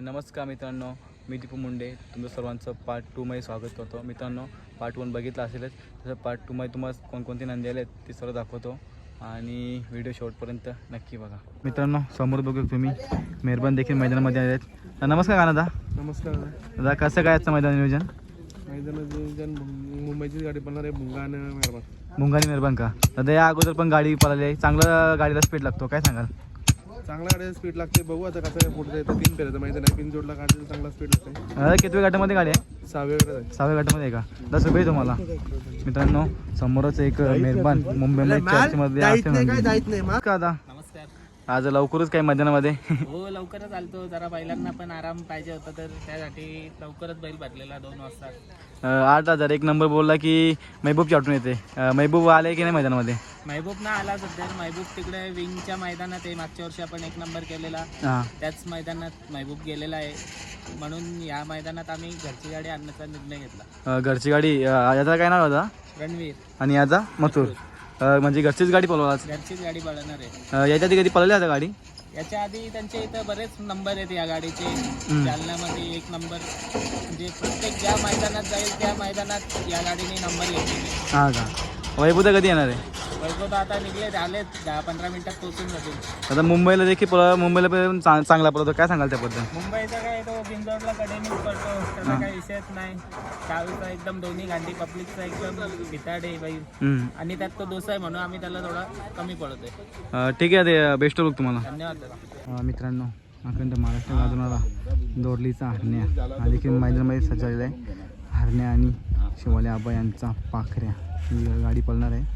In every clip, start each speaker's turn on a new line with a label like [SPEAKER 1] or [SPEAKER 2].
[SPEAKER 1] नमस्कार मित्रांनो, मी दीपू मुंडे तुमचं सर्वांचं पार्ट 2 मध्ये स्वागत करतो. मित्रांनो, पार्ट 1 बघितलं असेलच, तसं पार्ट 2 मध्ये तुम्हाला कोणकोणती नंदी आले ते सर्व दाखवतो आणि व्हिडिओ शेवटपर्यंत नक्की बघा. मित्रांनो, समोर बघू तुम्ही मेहरबान देखील मैदानामध्ये आले आहेत. नमस्कार दादा.
[SPEAKER 2] नमस्कार
[SPEAKER 1] दादा, कसं काय आजचं मैदान नियोजन?
[SPEAKER 2] नियोजन मुंबईची गाडी बनणार आहे भुंगा आणि मेहरबान.
[SPEAKER 1] भुंगा आणि मेहरबान का? दादा, या अगोदर पण गाडी पळाली आहे, चांगलं गाडीला स्पीड लागतो, काय सांगाल?
[SPEAKER 2] चांगला गाडी स्पीड लागते, बघू आता कसं आहे. पुढे येतं 3 फेऱ्याचं मैदान आहे, 3 जोडला गाडी चांगला स्पीड लागते.
[SPEAKER 1] दादा, कितव्या गटामध्ये गाडी आहे?
[SPEAKER 2] 6व्या गटात आहे.
[SPEAKER 1] 6व्या गटामध्ये आहे का? दादा, शुभेच्छा तुम्हाला. मित्रांनो, समोरच एक मेहरबान मुंबईमध्ये चर्चमध्ये असते का दादा? आज लवकरच काय मैदानामध्ये?
[SPEAKER 3] हो, लवकरच आलतो. जरा बैलांना पण आराम पाहिजे होता, तर त्यासाठी लवकरच बैल भरलेला 2 वाजता.
[SPEAKER 1] 8,000 एक नंबर बोलला की महबूबची आठवण येते. महबूब आले की नाही मैदानामध्ये?
[SPEAKER 3] महबूब ना आला सध्या. महबूब तिकडे विंगच्या मैदानात आहे. मागच्या वर्षी आपण 1 नंबर केलेला, त्याच मैदानात महबूब गेलेला आहे. म्हणून या मैदानात आम्ही घरची गाडी आणण्याचा निर्णय घेतला.
[SPEAKER 1] घरची गाडी, याचा काय नाव होता?
[SPEAKER 3] रणवीर.
[SPEAKER 1] आणि याचा मथुर. म्हणजे घरचीच गाडी पळवला?
[SPEAKER 3] घरचीच गाडी पळवणार आहे.
[SPEAKER 1] याच्या आधी कधी पळवली आता गाडी?
[SPEAKER 3] याच्या आधी त्यांच्या इथं बरेच नंबर आहेत या गाडीचे. जालन्यामध्ये 1 नंबर, म्हणजे प्रत्येक ज्या मैदानात जाईल त्या मैदानात या गाडीने नंबर घेतलेले.
[SPEAKER 1] हां का? वैभवता कधी येणार आहे?
[SPEAKER 3] वैभव आता निघले, आलेत 10-15 मिनिटात पोहोचून जातील.
[SPEAKER 1] आता मुंबईला देखील मुंबईला पण चांगला पळतो, काय सांगाल त्याबद्दल?
[SPEAKER 3] मुंबईचा काय, तो बिंदोडला कडेनीच पडतो, त्याचा काही विषयच नाही. चावीचा एकदम दोन्ही गांधी, पब्लिकचा एकदम भिताडे बैल, आणि त्यात तो दोसा आहे म्हणून आम्ही त्याला थोडा कमी पडतोय.
[SPEAKER 1] ठीक आहे, ते बेस्ट ऑफ लक तुम्हाला.
[SPEAKER 3] धन्यवाद दादा.
[SPEAKER 1] मित्रांनो, अखंड महाराष्ट्र गाजवणारा दोरलीचा हरण्या हा देखील मैदानामध्ये सजवलेला आहे. हरण्या आणि शिवाले आबा यांचा पाखऱ्या ही गाडी पळणार आहे.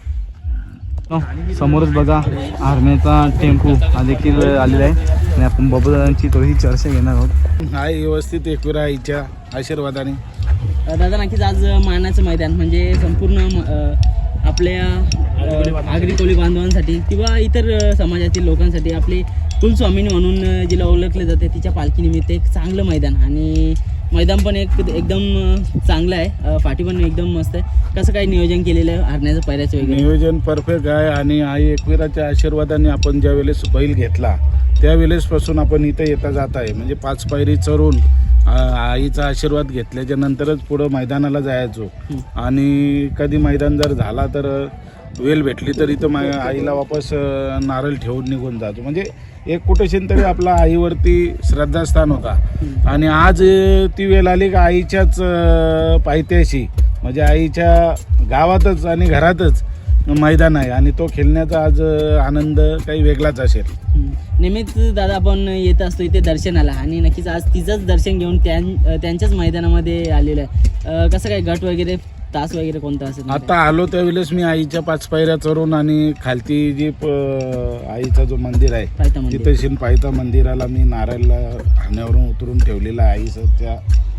[SPEAKER 1] समोरच बघा हरण्याचा टेम्पो हा देखील आलेला आहे आणि आपण बाबूदादांची थोडीशी चर्चा घेणार आहोत.
[SPEAKER 2] हाय, व्यवस्थित एकविरा आईच्या आशीर्वादाने.
[SPEAKER 3] दादा, नक्कीच आज मानाचं मैदान म्हणजे संपूर्ण आपल्या आगरी कोळी बांधवांसाठी किंवा इतर समाजातील लोकांसाठी आपली कुलस्वामिनी म्हणून जिला ओळखले जाते, तिच्या पालखीनिमित्त एक चांगलं मैदान. आणि मैदान पण एकदम चांगलं आहे, फाटी पण एकदम मस्त आहे. कसं काय नियोजन केलेलं आहे हरण्याचं, पायऱ्याचं वगैरे?
[SPEAKER 2] नियोजन परफेक्ट आहे आणि आई एकविराच्या आशीर्वादाने आपण ज्या वेळेस बैल घेतला त्यावेळेसपासून आपण इथं येता जात आहे. म्हणजे 5 पायरी चढून आईचा आशीर्वाद घेतल्याच्या नंतरच पुढं मैदानाला जायचो. आणि कधी मैदान जर झाला तर वेळ भेटली तर इथं आईला वापस नारळ ठेवून निघून जातो. म्हणजे एक कुठेशीन तरी आपला आईवरती श्रद्धास्थान होता. आणि आज ती वेळ आली का आईच्याच पायथ्याशी, म्हणजे आईच्या गावातच आणि घरातच मैदान आहे आणि तो खेळण्याचा आज आनंद काही वेगळाच असेल.
[SPEAKER 3] नेहमीच दादा आपण येत असतो इथे दर्शनाला, आणि नक्कीच आज तिचंच दर्शन घेऊन त्यांच्याच मैदानामध्ये आलेलं आहे. कसं काय गट वगैरे, तास वगैरे कोणता असेल?
[SPEAKER 2] आता आलो त्यावेळेस मी आईच्या 5 पायऱ्या चढून आणि खालती जी आईचा जो मंदिर आहे तिथं पायथा मंदिराला मी नारळला हाण्यावरून उतरून ठेवलेला आहे आईचं त्या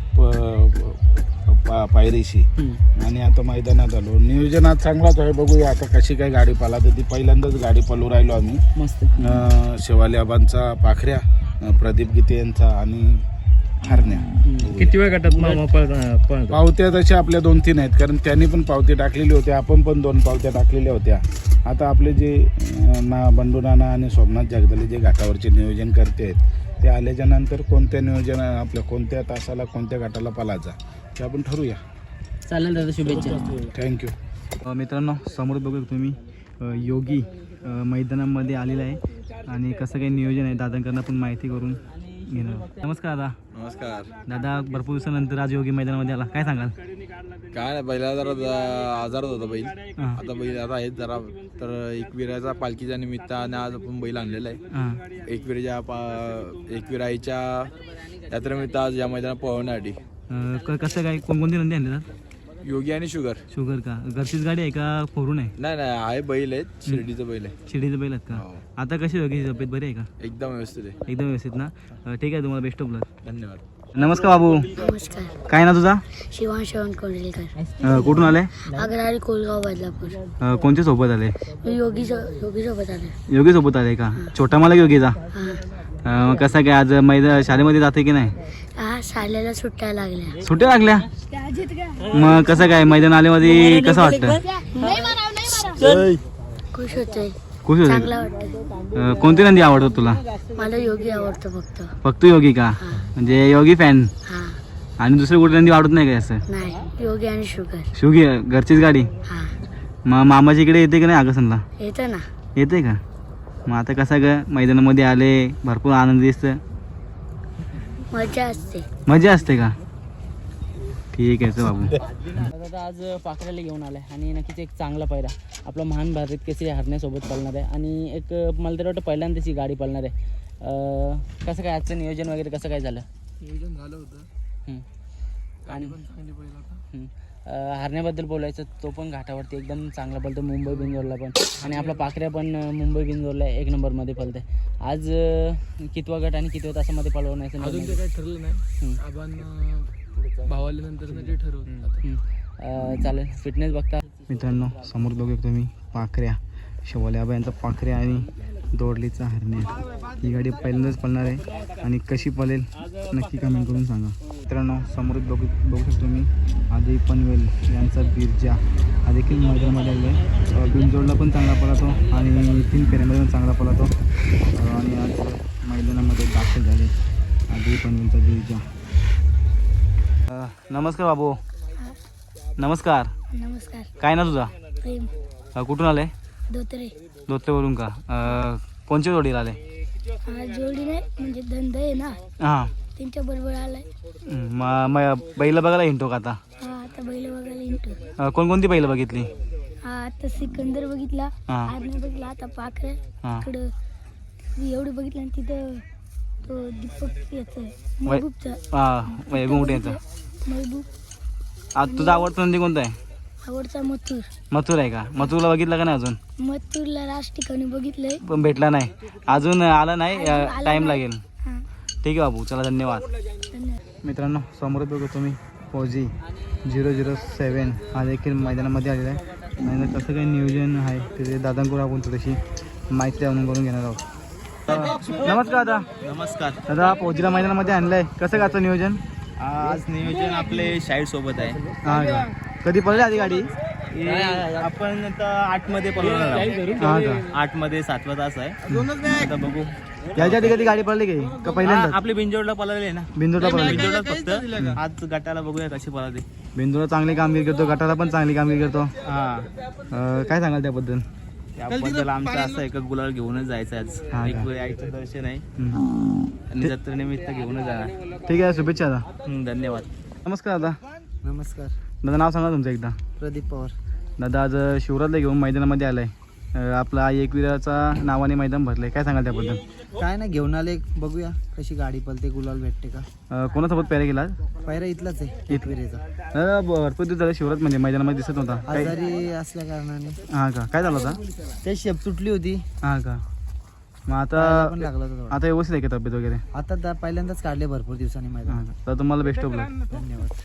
[SPEAKER 2] पायरीशी. आणि आता मैदानात आलो. नियोजन आज चांगलाच आहे, बघूया आता कशी काय गाडी पळा. तर ती पहिल्यांदाच गाडी पळू राहिलो आम्ही.
[SPEAKER 3] मस्त.
[SPEAKER 2] शिवाले आबांचा पाखऱ्या, प्रदीप गीते यांचा आणि हरण्या.
[SPEAKER 1] किती वेळ गटात
[SPEAKER 2] पावत्या तशा आपल्या 2-3 आहेत, कारण त्यांनी पण पावती टाकलेली होती, आपण पण 2 पावत्या टाकलेल्या होत्या. आता आपले जे बंडू नाना आणि सोमनाथ जगदले जे घाटावरचे नियोजन करते आहेत ते आल्याच्या नंतर कोणत्या नियोजन आपल्या कोणत्या तासाला कोणत्या घाटाला पळायचा ते आपण ठरवूया.
[SPEAKER 3] चालेल दादा, शुभेच्छा.
[SPEAKER 2] थँक्यू.
[SPEAKER 1] मित्रांनो, समोर बघू तुम्ही योगी मैदानामध्ये आलेला आहे आणि कसं काही नियोजन आहे दादांकडनं पण माहिती करून घेणार. नमस्कार दादा.
[SPEAKER 4] नमस्कार
[SPEAKER 1] दादा, भरपूर दिवसानंतर आज योगी मैदानामध्ये आला, काय सांगाल?
[SPEAKER 4] काय नाही, पहिला जरा आजारात होता बैल. आता बैल आता आहेत जरा, तर एकविराच्या पालखीच्या निमित्ताने आज आपण बैल आणलेला आहे. एकविरा आईच्या यात्रेनिमित्त आज या मैदानात पळवण्यासाठी.
[SPEAKER 1] कसं काय, कोणकोणती नंदी आणले?
[SPEAKER 4] योगी आणि शुगर
[SPEAKER 1] का? घरचीच गाडी आहे का फोरून आहे?
[SPEAKER 4] नाही आहे, बैल आहेत, शिर्डीचं बैल आहे.
[SPEAKER 1] शिर्डीचं बैल आहेत का? आता कशी योगी तब्येत बरी आहे का?
[SPEAKER 4] एकदम व्यवस्थित आहे.
[SPEAKER 1] एकदम व्यवस्थित ना? ठीक आहे, तुम्हाला बेस्ट ऑफ लक.
[SPEAKER 4] धन्यवाद.
[SPEAKER 1] नमस्कार बाबू.
[SPEAKER 5] नमस्कार.
[SPEAKER 1] काय ना तुझा?
[SPEAKER 5] शिवांश कोंडलेकर.
[SPEAKER 1] कुठून आले?
[SPEAKER 5] अग्रारी कोलगाव बदलापूर.
[SPEAKER 1] कोणते सोबत आले?
[SPEAKER 5] मी योगी सोबत आले.
[SPEAKER 1] योगी सोबत आले का? छोटा मला योगीचा. कसा काय आज मैदान शाळेमध्ये जाते की नाही?
[SPEAKER 5] हा, शाळेला सुट्ट्या लागल्या.
[SPEAKER 1] सुट्ट्या लागल्या? मग कसं काय मैदान आल्यामध्ये कसं वाटतं?
[SPEAKER 5] खुश होते,
[SPEAKER 1] खुश होते.
[SPEAKER 5] चांगला वाटतं.
[SPEAKER 1] कोणती नंदी आवडतात तुला?
[SPEAKER 5] मला योगी आवडतो फक्त.
[SPEAKER 1] फक्त योगी का? म्हणजे योगी फॅन.
[SPEAKER 5] हा.
[SPEAKER 1] आणि दुसरे कुठे नंदी वाढत नाही काय असं?
[SPEAKER 5] नाही, योगी आणि शुगर.
[SPEAKER 1] शिवगी घरचीच गाडी.
[SPEAKER 5] हा.
[SPEAKER 1] मग मामाच्या इकडे येते की नाही आगसनला?
[SPEAKER 5] येतं ना.
[SPEAKER 1] येते का? मग आता कसं ग मैदानामध्ये आले भरपूर आनंद दिसतं.
[SPEAKER 5] मजा असते.
[SPEAKER 1] मजा असते का? ठीक आहे चल बाबू.
[SPEAKER 3] दादा आज पाखऱ्याला घेऊन आलाय आणि नक्कीच एक चांगला पायरा आपला महान भारत केसरी हरण्यासोबत पळणार आहे आणि एक मला तर वाटतं पहिल्यांदाच ही गाडी पळणार आहे. कसं काय आजचं नियोजन वगैरे कसं काय झालं?
[SPEAKER 4] नियोजन झालं होतं
[SPEAKER 3] आणि
[SPEAKER 4] पण चांगली पहिला होता.
[SPEAKER 3] हरण्याबद्दल बोलायचं तो पण घाटावरती एकदम चांगला पळतो मुंबई बिंजोरला पण आणि आपला पाखऱ्या पण मुंबई बिंजोरला 1 नंबरमध्ये पळते. आज कितवा गट आणि कितव्या तासामध्ये पळवण्याचं
[SPEAKER 4] अजून ते काही ठरलं नाही. आपण भावाल्यानंतर ते ठरवू.
[SPEAKER 3] चालेल. फिटनेस बघता
[SPEAKER 1] मित्रांनो समोर बघू तुम्ही पाखऱ्या शेवाल्या यांचा पाखऱ्या आणि दोडलीचा हरण्या. ही गाडी पहिल्यांदाच पळणार आहे आणि कशी पळेल नक्की कमेंट करून सांगा. मित्रांनो समोर बघू शकतो मी आधी पनवेल यांचा बिरजा हा देखील मैदानामध्ये आलेला आहे. बिनजोडला पण चांगला पळतो आणि 3 फेऱ्यामध्ये पण चांगला पळतो आणि आज मैदानामध्ये दाखल झाले आधी पनवेलचा बिरजा. नमस्कार बाबू. नमस्कार.
[SPEAKER 5] नमस्कार.
[SPEAKER 1] काय ना तुझा?
[SPEAKER 5] प्रेम.
[SPEAKER 1] कुठून आले?
[SPEAKER 5] धोत्रे.
[SPEAKER 1] धोत्रेवरून का? कोणच्या जोडीला आले?
[SPEAKER 5] जोडी नाही म्हणजे धंदा आहे ना,
[SPEAKER 1] हां.
[SPEAKER 5] त्यांच्या बरोबर आलाय.
[SPEAKER 1] बैल बघायला हिंटो का आता?
[SPEAKER 5] हा, आता बैल बघायला इंटू.
[SPEAKER 1] कोणकोणती बैल बघितली?
[SPEAKER 5] हा, आता सिकंदर बघितला,
[SPEAKER 1] हां.
[SPEAKER 5] आर्मी बघितला, आता पाखरे
[SPEAKER 1] हां.
[SPEAKER 5] इकडं एवढं बघितलं आणि तिथं तो दीपक याचं महबूबचा.
[SPEAKER 1] हां गुंगटे यांचा.
[SPEAKER 5] महबूब.
[SPEAKER 1] आज तुझा आवडता नंदी कोणता आहे?
[SPEAKER 5] आवडता मथुर.
[SPEAKER 1] मथुर आहे का? मथुरला बघितला का नाही अजून?
[SPEAKER 5] मथुरला राज ठिकाणी बघितलंय.
[SPEAKER 1] पण भेटला नाही अजून. आला नाही.
[SPEAKER 5] आला
[SPEAKER 1] टाईम
[SPEAKER 5] नाही.
[SPEAKER 1] लागेल.
[SPEAKER 5] हा,
[SPEAKER 1] ठीक आहे बाबू. चला धन्यवाद.
[SPEAKER 5] धन्यवाद.
[SPEAKER 1] मित्रांनो समोर बघू तुम्ही फौजी 007 हा देखील मैदानामध्ये आलेला आहे आणि कसं काही नियोजन आहे ते दादांकडून आपण थोडीशी माहिती जाणून करून घेणार आहोत. नमस्कार दादा.
[SPEAKER 6] नमस्कार.
[SPEAKER 1] दादा फौजीला मैदानामध्ये आणलं आहे, कसं काय आजचं नियोजन?
[SPEAKER 6] आज नियोजन आपले शाहीर सोबत आहे.
[SPEAKER 1] हां का? कधी पडली आधी गाडी?
[SPEAKER 6] आपण आता 8 मध्ये पळवणार आहोत.
[SPEAKER 1] हां का?
[SPEAKER 6] 8 मध्ये 7वा तास आहे. आता बघू.
[SPEAKER 1] याच्या आधी कधी गाडी पडली की का पहिल्यांदा?
[SPEAKER 6] आपले बिंजोडला पळवले ना.
[SPEAKER 1] बिंदूला पडली.
[SPEAKER 6] बिंजोडला फक्त आज गटाला बघूया कशी पळवते.
[SPEAKER 1] बिंदूला चांगली कामगिरी करतो, गटाला पण चांगली कामगिरी करतो.
[SPEAKER 6] हा,
[SPEAKER 1] काय सांगाल त्याबद्दल?
[SPEAKER 6] त्याबद्दल आमचं असं एक गुलाल घेऊनच जायचं आज.
[SPEAKER 1] हा का?
[SPEAKER 6] एक वेळ यायचं दर्शन आहे आणि जत्रेनिमित्त घेऊनच जाणार.
[SPEAKER 1] ठीक आहे, शुभेच्छा दादा.
[SPEAKER 6] धन्यवाद.
[SPEAKER 1] नमस्कार दादा.
[SPEAKER 3] नमस्कार.
[SPEAKER 1] दादा नाव सांगा तुमचं एकदा.
[SPEAKER 3] प्रदीप पवार.
[SPEAKER 1] दादा आज शिवराजला घेऊन मैदानामध्ये आलाय. आपला एकविराचा नावाने मैदान भरलंय, काय सांगाल त्याबद्दल?
[SPEAKER 3] काय नाही, घेऊन आले, बघूया कशी गाडी पळते, गुलाल भेटते का.
[SPEAKER 1] कोणासोबत पॅरा गेला?
[SPEAKER 3] पायरा इथलाच आहे एकविरेचा.
[SPEAKER 1] दादा भरपूर दिवस झाले शिवराज म्हणजे मैदानामध्ये दिसत नव्हता. काय?
[SPEAKER 3] आजारी असल्या कारणाने
[SPEAKER 1] हां का? काय झालं होता?
[SPEAKER 3] ते शेप तुटली होती,
[SPEAKER 1] हां का? मग
[SPEAKER 3] पायाला पण
[SPEAKER 1] आता
[SPEAKER 3] लागला होता थोडा.
[SPEAKER 1] आता व्यवस्थित आहे का तब्येत वगैरे?
[SPEAKER 3] आता पहिल्यांदाच काढले भरपूर दिवसांनी मैदान.
[SPEAKER 1] हां का? तर तुम्हाला बेस्ट ऑफ लक.
[SPEAKER 3] धन्यवाद.